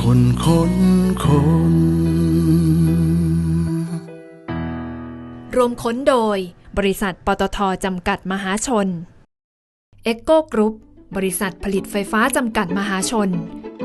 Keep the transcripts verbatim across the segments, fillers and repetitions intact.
คนค้นคนรวมค้นโดยบริษัทปตท.จำกัดมหาชน เอ็กโก กรุ๊ป บริษัทผลิตไฟฟ้าจำกัดมหาชน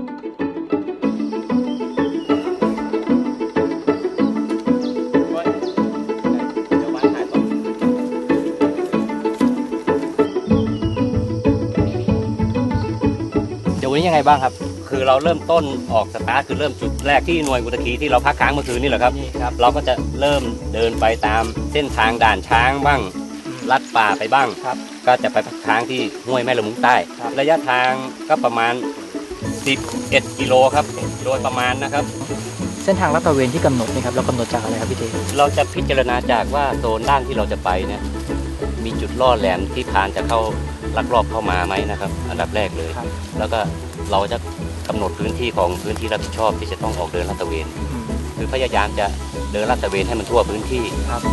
เดี๋ยววันนี้ยังไงบ้างครับคือเราเริ่มต้นออกสตาร์ทคือเริ่มจุดแรกที่หน่วยกุตคีที่เราพักค้างเมื่อคืนนี่แหละครับนี่ครับเราก็จะเริ่มเดินไปตามเส้นทางด่านช้างบ้างลัดป่าไปบ้างครับก็จะไปพักค้างที่ห้วยแม่ละมุงใต้ระยะทางก็ประมาณสิบเอ็ดกิโลครับโดยประมาณนะครับเส้นทางลาดตระเวนที่กำหนดนี่ครับเรากำหนดจากอะไรครับพี่เจเราจะพิจารณาจากว่าโซนด้านที่เราจะไปเนี่ยมีจุดล่อแหลมที่พานจะเข้าลักลอบเข้ามาไหมนะครับอันดับแรกเลยแล้วก็เราจะกำหนดพื้นที่ของพื้นที่รับผิดชอบที่จะต้องออกเดินลาดตระเวนคือพยายามจะเดินลาดตระเวนให้มันทั่วพื้นที่ครับ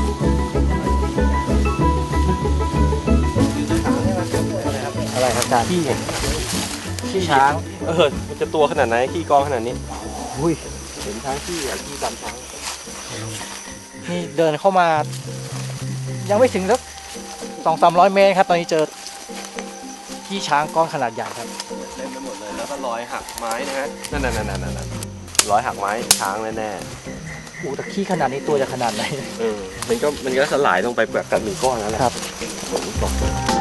อะไรครับอาจารย์ขี้ขี้ช้างเออมันจะตัวขนาดไหนขี้กองขนาดนี้อุ้ยเห็นช้างขี้อ่ะขี้ดำช้างนี่เดินเข้ามายังไม่ถึงสักสองสามร้อยเมตรครับตอนนี้เจอขี้ช้างก้อนขนาดใหญ่ครับเต็มไปหมดเลยแล้วก็รอยหักไม้นะฮะนั่นนั่นนั่นนั่นนั่นรอยหักไม้ช้างแน่ๆโอ้แต่ขี้ขนาดนี้ตัวจะขนาดไหนเออมันก็มันก็สลายลงไปแบบกันหนึ่งก้อนนั่นแหละครับผมบอก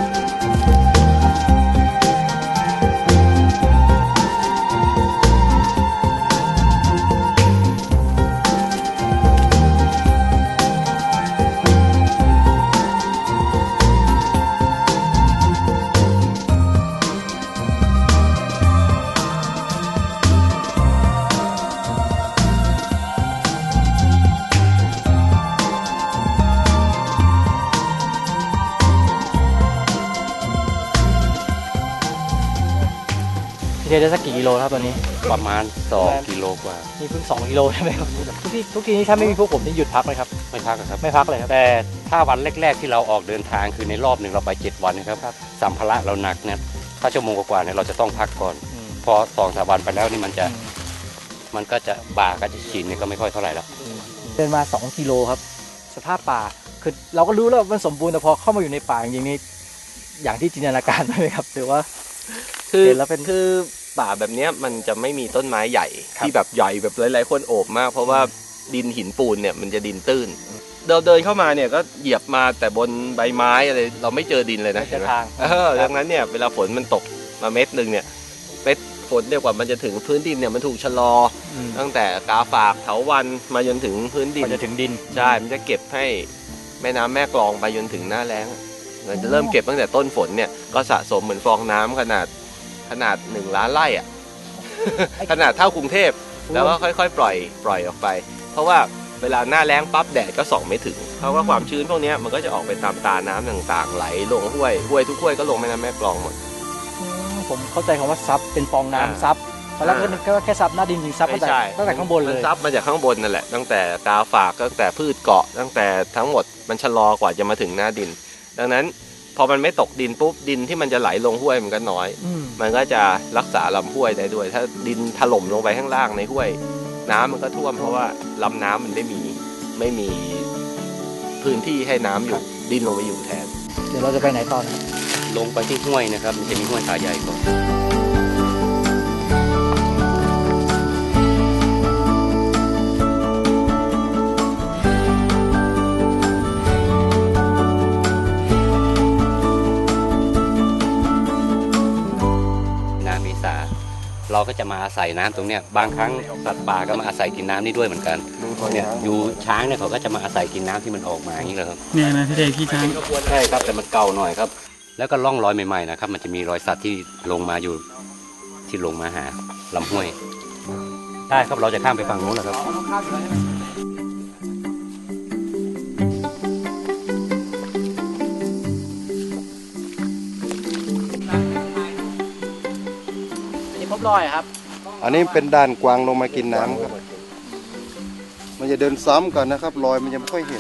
พี่เจได้สักกี่กิโลครับตอนนี้ประมาณสองกิโลกว่านี่เพิ่งสองกิโลใช่ไหมครับทุกที่ทุกทีนี้ถ้าไม่มีพวกผมนี่หยุดพักไหมครับไม่พักครับไม่พักเลยครับแต่ถ้าวันแรกๆที่เราออกเดินทางคือในรอบหนึ่งเราไปเจ็ดวันนะครับสัมภาระเราหนักเนี่ยถ้าชั่วโมงกว่าเนี่ยเราจะต้องพักก่อนพอสองสามวันไปแล้วนี่มันจะมันก็จะบ่าก็จะชินเนี่ยก็ไม่ค่อยเท่าไหร่แล้วเดินมาสองกิโลครับสภาพป่าคือเราก็รู้แล้วมันสมบูรณ์แต่พอเข้ามาอยู่ในป่าจริงๆนี่อย่างที่จินตนาการไหมครับหรือว่าคือแล้วเป็นคือป่าแบบนี้มันจะไม่มีต้นไม้ใหญ่ที่แบบใหญ่แบบหลายๆคนโอบมากเพราะว่าดินหินปูนเนี่ยมันจะดินตื้นเราเดินเข้ามาเนี่ยก็เหยียบมาแต่บนใบไม้อะไรเราไม่เจอดินเลยนะเห็นไหมเออดังนั้นเนี่ยเวลาฝนมันตกมาเม็ดหนึ่งเนี่ยเม็ดฝนเดียวกว่ามันจะถึงพื้นดินเนี่ยมันถูกชะลอตั้งแต่กาฝากเถาวัลย์มาจนถึงพื้นดินมันจะถึงดินใช่มันจะเก็บให้แม่น้ำแม่กลองไปจนถึงหน้าแล้งมันจะเริ่มเก็บตั้งแต่ต้นฝนเนี่ยก็สะสมเหมือนฟองน้ำขนาดขนาดหนึ่งล้านไร่อ่ะขนาดเท่ากรุงเทพแล้วก็ค่อยๆปล่อยปล่อยออกไปเพราะว่าเวลาหน้าแล้งปั๊บแดดก็ส่องไม่ถึงเพราะว่าความชื้นพวกนี้มันก็จะออกไปตามตาน้ำต่างๆไหลลงห้วยห้วยทุกห้วยก็ลงแม่น้ำแม่กลองหมดผมเข้าใจคำว่าซับเป็นฟองน้ำซับตอนแรกก็แค่ซับหน้าดินจริงซับตั้งแต่ตั้งแต่ข้างบนเลยซับมาจากข้างบนนั่นแหละตั้งแต่กาฝากตั้งแต่พืชเกาะตั้งแต่ทั้งหมดมันชะลอกว่าจะมาถึงหน้าดินดังนั้นพอมันไม่ตกดินปุ๊บดินที่มันจะไหลลงห้วยมันก็น้อยมันก็จะรักษาลำห้วยได้ด้วยถ้าดินถล่มลงไปข้างล่างในห้วยน้ำมันก็ท่วมเพราะว่าลำน้ำมันไม่มีไม่มีพื้นที่ให้น้ำอยู่ดินลงไปอยู่แทนเดี๋ยวเราจะไปไหนต่อลงไปที่ห้วยนะครับมันจะมีห้วยขาใหญ่ก่อนเราก็จะมาอาศัยน้ำตรงเนี้ยบางครั้งสัตว์ป่าก็มาอาศัยกินน้ำนี่ด้วยเหมือนกันเนี่ยอยู่ช้างเนี่ยเขาก็จะมาอาศัยกินน้ำที่มันออกมาอย่างนี้เลยครับเนี่ยนะพี่เด็กพี่ช้างใช่ครับแต่มันเก่าหน่อยครับแล้วก็ล่องรอยใหม่ๆนะครับมันจะมีรอยสัตว์ที่ลงมาอยู่ที่ลงมาหาลำห้วยใช่ครับเราจะข้ามไปฝั่งโน้นแล้วครับรอยครับอันนี้เป็นด่านกวางลงมากินน้ำครับมันจะเดินซ้ำก่อนนะครับรอยมันยังไม่ค่อยเห็น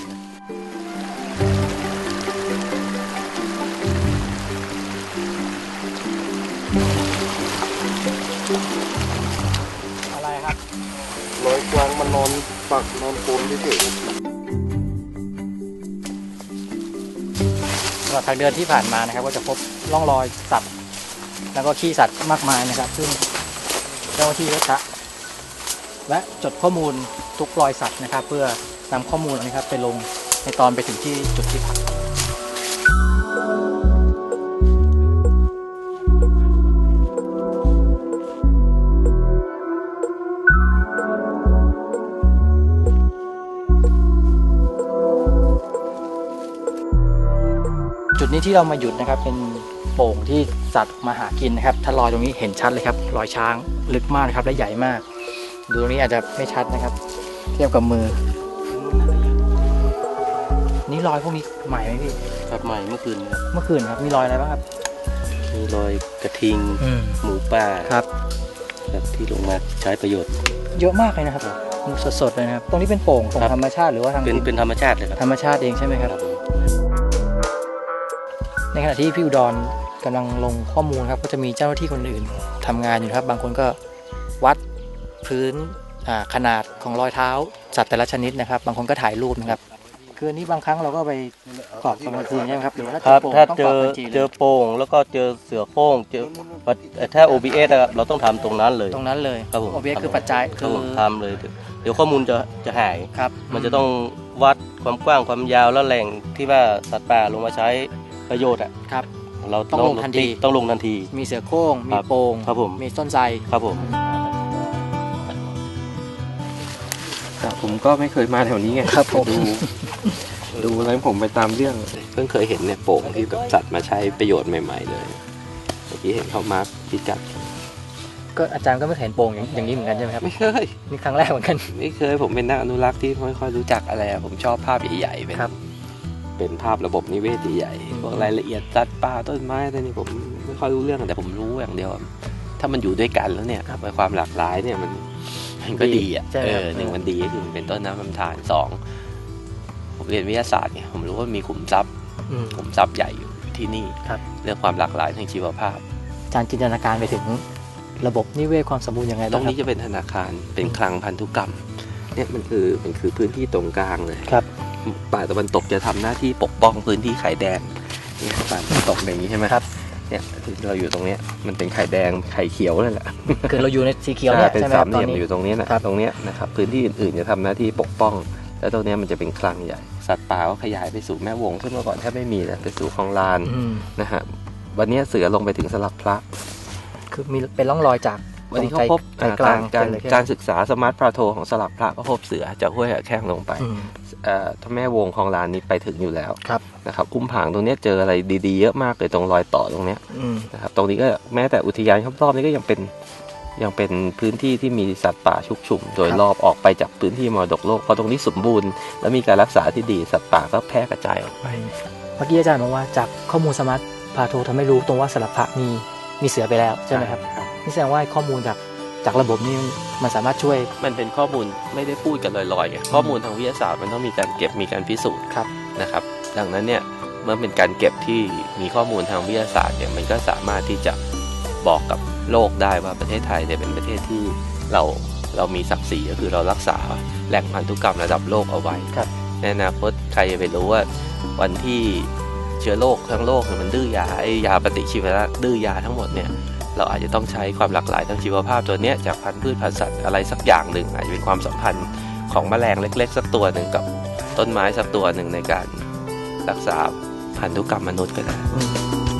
อะไรครับครับรอยกวางมันนอนปักนอนปูนเฉยตลอดทางเดินที่ผ่านมานะครับก็จะพบร่องรอยสัตว์แล้วก็ขี้สัตว์มากมายนะครับ ซึ่งเจ้าหน้าที่ก็จะและจดข้อมูลทุกรอยสัตว์นะครับ เพื่อนำข้อมูลนะครับไปลงในตอนไปถึงที่จุดที่พัก จุดนี้ที่เรามาหยุดนะครับเป็นโป่งที่สัตว์มาหากินนะครับถ้ารอยตรงนี้เห็นชัดเลยครับรอยช้างลึกมากนะครับและใหญ่มาก ดูตรงนี้อาจจะไม่ชัดนะครับ เทียบกับมือ นี่รอยพวกนี้ใหม่ไหมพี่ครับใหม่เมื่อคืนครับเมื่อคืนครับมีรอยอะไรบ้างครับมีรอยกระทิงอืมหมูป่าครับแบบที่ลงมาใช้ประโยชน์เยอะมากเลยนะครับสดๆเลยนะครับตรงนี้เป็นโป่งของครับธรรมชาติหรือว่าทางเป็นเป็นธรรมชาติเลยครับธรรมชาติเองใช่ไหมครับครับผมในขณะที่พี่อุดรกำลังลงข้อมูลครับก็จะมีเจ้าหน้าที่คนอื่นทำงานอยู่นะครับ บางคนก็วัดพื้นอ่าขนาดของรอยเท้าสัตว์แต่ละชนิดนะครับ บางคนก็ถ่ายรูปนะครับคืออันนี้บางครั้งเราก็ไปกรอบตอนกลางคืนใช่ไหมครับหรือว่าครับถ้าถ้าเจเจออโป่งต้องกรอบทันทีเลยเจอโป่งแล้วก็เจอเสือโคร่งเจอถ้า โอ บี เอส อะเราต้องทำตรงนั้นเลยตรงนั้นเลยครับผมโอเบียคือปัจจัยครัคืบอผมทำเลย เดี๋ยวข้อมูลจะจะหายครับมันจะต้องวัดความกว้างความยาวและแหล่งที่ว่าสัตว์ป่าลงมาใช้ประโยชน์อ่ะครับเราต้องลงทันทีต้องลงทันทีมีเสือโคร่งมีครับโป่งครับผมมีต้นไทรครับผมครับผมก็ไม่เคยมาแถวนี้ไงครับผมดูดูแล้วผมไปตามเรื่องเพิ่งเคยเห็นเนี่ยโป่งที่แบบสัตว์มาใช้ประโยชน์ใหม่ๆเลยเมื่อกี้เห็นเขามาร์คพิกัดก็อาจารย์ก็ไม่เคยเห็นโป่งอย่างอย่างนี้เหมือนกันใช่ไหมครับไม่เคยนี่ครั้งแรกเหมือนกันไม่เคยผมเป็นนักอนุรักษ์ที่ไม่ค่อยรู้จักอะไรอะผมชอบภาพใหญ่ๆเป็นครับเป็นภาพระบบนิเวศใหญ่ๆพวกรายละเอียดสัตว์ป่าต้นไม้อะไรนี่ผมไม่ค่อยรู้เรื่องแต่ผมรู้อย่างเดียวอะถ้ามันอยู่ด้วยกันแล้วเนี่ยความหลากหลายเนี่ยมันมันก็ดีอ่ะใช่ไหมเอครับอหนึ่งมันดีก็คือมันเป็นต้นน้ำลำธารสองผมเรียนวิทยาศาสตร์ไงผมรู้ว่ามีขุมทรัพย์อืมขุมทรัพย์ใหญ่อยู่ที่นี่ครับเรื่องความหลากหลายทางชีวภาพอาจารย์จินตนาการไปถึงระบบนิเวศความสมบูรณ์ยังไงตรบ้างงครันี้บจะเป็นธนาคารเป็นคลังพันธุกรรมเนี่ยมันคือมันคือพื้นที่ตรงกลางเลยครับป่าตะวันตกจะทำหน้าที่ปกป้องพื้นที่ไข่แดงเนี่ยป่าตะวันตกอย่างนี้ใช่ไหมครับเนี่ยที่เราอยู่ตรงเนี้ยมันเป็นไข่แดงไข่เขียวนั่นแหละคือเราอยู่ในสีเขียวเนี่ยเป็นใช่ไหมคสารัมบเหตอลี่นยมนี้อยู่ตรงเนี้ยนะครับ ตรงเนี้ยนะครับพื้นที่อื่นๆจะทำหน้าที่ปกป้อง แล้วตรงเนี้ยมันจะเป็นคลังใหญ่สัตว์ป่าก็ขยายไปสู่แม่วงซึ่งเมื่อก่อนแทบไม่มีเลยไปสู่คลองลานอืมนะฮะวันเนี้ยเสือลงไปถึงสลักพระคือมีเป็นร่องรอยจากวันนี้เขาพบใจกลางการเลยใช่ไหมการศึกษาสมาร์ทพลาโทของสลักพระก็พบเสือจากห้วยแข้งลงไปอืมเอ่อถ้าแม่วงคลองลานนี้ไปถึงอยู่แล้วครับนะครับอุ้มผางตรงเนี้ยเจออะไรดีๆเยอะมากเลยตรงรอยต่อตรงเนี้ยอืมนะครับตรงนี้ก็แม้แต่อุทยานรอบๆนี้ก็ยังเป็นยังเป็นพื้นที่ที่มีสัตว์ป่าชุกชุม โดยรอบออกไปจากพื้นที่มรดกโลกเพราะตรงนี้สมบูรณ์และมีการรักษาที่ดีสัตว์ป่าก็แพร่กระจายออกไปเมื่อกี้อาจารย์บอกว่าจากข้อมูลสมาร์ทพาโททำให้รู้ตรงว่าสลับพระมีมีเสือไปแล้วใช่ไหมครับนี่แสดงว่าข้อมูลจากจากระบบนี้มันสามารถช่วยมันเป็นข้อมูลไม่ได้พูดกันลอยๆไงข้อมูลทางวิทยาศาสตร์มันต้องมีการเก็บมีการพิสูจน์ครับนะครับดังนั้นเนี่ยเมื่อเป็นการเก็บที่มีข้อมูลทางวิทยาศาสตร์เนี่ยมันก็สามารถที่จะบอกกับโลกได้ว่าประเทศไทยเนี่ยเป็นประเทศที่เราเรามีศักดิ์ศรีก็คือเรารักษาแหล่งพันธุกรรมระดับโลกเอาไว้ครับในอนาคตใครจะไปรู้ว่าวันที่เชื้อโรคทั้งโลกเนี่ยมันดื้อยาไอ้ยาปฏิชีวนะดื้อยาทั้งหมดเนี่ยเราอาจจะต้องใช้ความหลากหลายทางชีวภาพตัวเนี้ยจากพันธุ์พืชพันธุ์สัตว์อะไรสักอย่างหนึ่งอาจจะเป็นความสัมพันธ์ของแมลงเล็ก ๆ สักตัวหนึ่งกับต้นไม้สักตัวหนึ่งในการรักษาพันธุกรรมมนุษย์ก็ได้อืม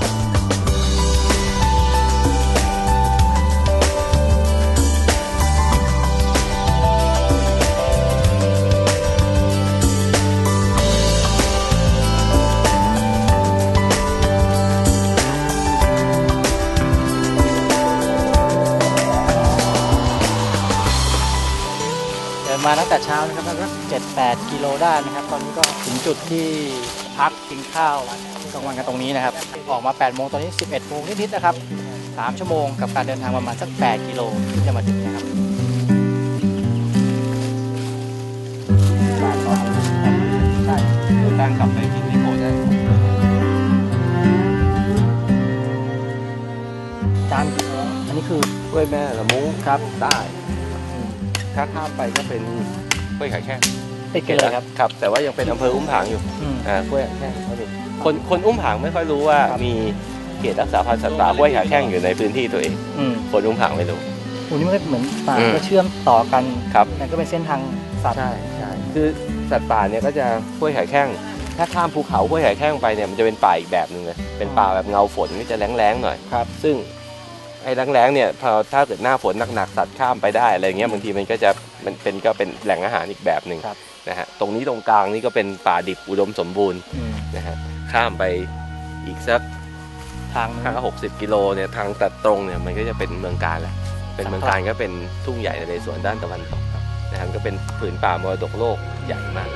เดินมาตั้งแต่เช้านะครับสักเจ็ดแปดกิโลได้นะครับ ตอนนี้ก็ถึงจุดที่พักกินข้าวกลางวันกันตรงนี้นะครับ ออกมาแปดโมงตอนนี้สิบเอ็ดโมงนิดๆนะครับสามชั่วโมงกับการเดินทางประมาณสักแปดกิโลที่จะมาถึงนะครับใช่เดินทางกลับไปกินนิโคได้จานอันนี้คือกล้วยแม่ละมุ้งครับได้อืมถ้าข้ามไปก็เป็นห้วยขาแข้งติดกันเลยครับครับ แต่ว่ายังเป็นอำเภออุ้มผางอยู่อืมอ่าห้วยขาแข้งเขามีคนคนอุ้มผางไม่ค่อยรู้ว่าครับมีเขตรักษาพันธุ์สัตว์ป่าห้วยขาแข้งอยู่ในพื้นที่ตัวเองอืมคนอุ้มผางไม่รู้โอ้นี่มันก็เหมือนป่าอืมก็เชื่อมต่อกันครับมันก็เป็นเส้นทางสัตว์ใช่ใช่คือสัตว์ป่าเนี่ยก็จะห้วยขาแข้งถ้าข้ามภูเขาห้วยขาแข้งไปเนี่ยมันจะเป็นป่าอีกแบบหนึ่งเลยเป็นป่าแบบเงาฝนก็จะแล้งๆหน่อยครับซึ่งไอ้แล้งๆเนี่ยพอถ้าเกิดหน้าฝนหนักๆสัตว์ข้ามไปได้อะไรเงี้ยบางทีมันก็จะมันเป็นก็เป็นแหล่งอาหารอีกแบบหนึ่งครับนะฮะตรงนี้ตรงกลางนี่ก็เป็นป่าดิบอุดมสมบูรณ์อืมนะฮะข้ามไปอีกสักทางห้าหกสิบกิโลเนี่ยทางตัดตรงเนี่ยมันก็จะเป็นเมืองการแล้วเป็นเมืองการก็เป็นทุ่งใหญ่ในส่วนด้านตะวันตกนะฮะก็เป็นผืนป่ามรดกโลกใหญ่มาก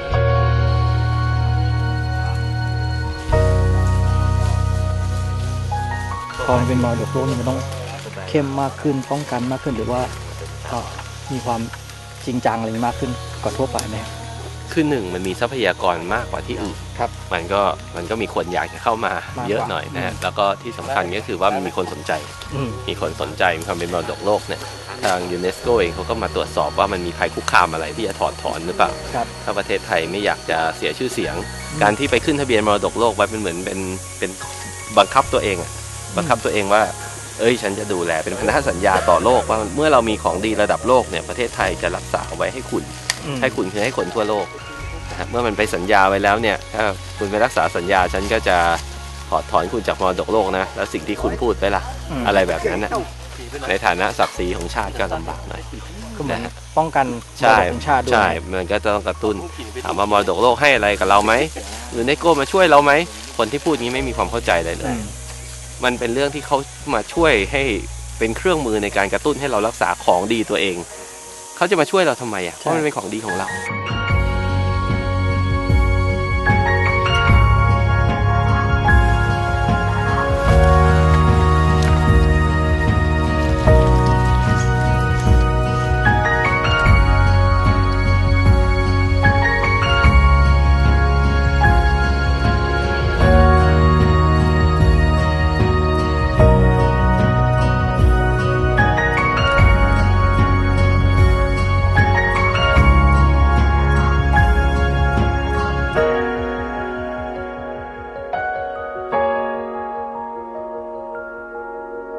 พอมันเป็นมรดกโลกนี่มันต้องเข้มมากขึ้นป้องกันมากขึ้นหรือว่าก็มีความจริงจังอะไรมากขึ้นกว่าทั่วไปไหมคือหนึ่งมันมีทรัพยากรมากกว่าที่อื่นครับมันก็มันก็มีคนอยากจะเข้ามามากกว่าเยอะหน่อยนะฮะอืมแล้วก็ที่สำคัญก็คือว่ามันมีคนสนใจอืมมีคนสนใจมีความเป็นมรดกโลกเนี่ยทางยูเนสโกเองเขาก็มาตรวจสอบว่ามันมีภัยคุกคามอะไรที่จะถอดถอนหรือเปล่าครับถ้าประเทศไทยไม่อยากจะเสียชื่อเสียง การที่ไปขึ้นทะเบียนมรดกโลกไว้เป็นเหมือนเป็นเป็นบังคับตัวเองอะบังคับตัวเองว่า เอ้ยฉันจะดูแลเป็นพันธสัญญาต่อโลกว่าเมื่อเรามีของดีระดับโลกเนี่ยประเทศไทยจะรักษาไว้ให้คุณอืมให้คุณคือให้คนทั่วโลกนะครับเมื่อมันไปสัญญาไว้แล้วเนี่ยถ้าคุณไปรักษาสัญญาฉันก็จะถอดถอนคุณจากมรดกโลกนะแล้วสิ่งที่คุณพูดไปล่ะมอะไรแบบนั้นนะในฐานะศักดิ์ศรีของชาติก็ลำบากหน่อยก็เหมือนป้องกันมรใช่ดกของชาติด้วยใช่มันก็ต้องกระตุ้นถามว่ามรดกโลกให้อะไรกับเราไหมหรือไนโก้มาช่วยเราไหมคนที่พูดงี้ไม่มีความเข้าใจเลยเลอืยมมันเป็นเรื่องที่เขามาช่วยให้เป็นเครื่องมือในการกระตุ้นให้เรารักษาของดีตัวเองเขาจะมาช่วยเราทำไมอ่ะเพราะมันเป็นของดีของเราค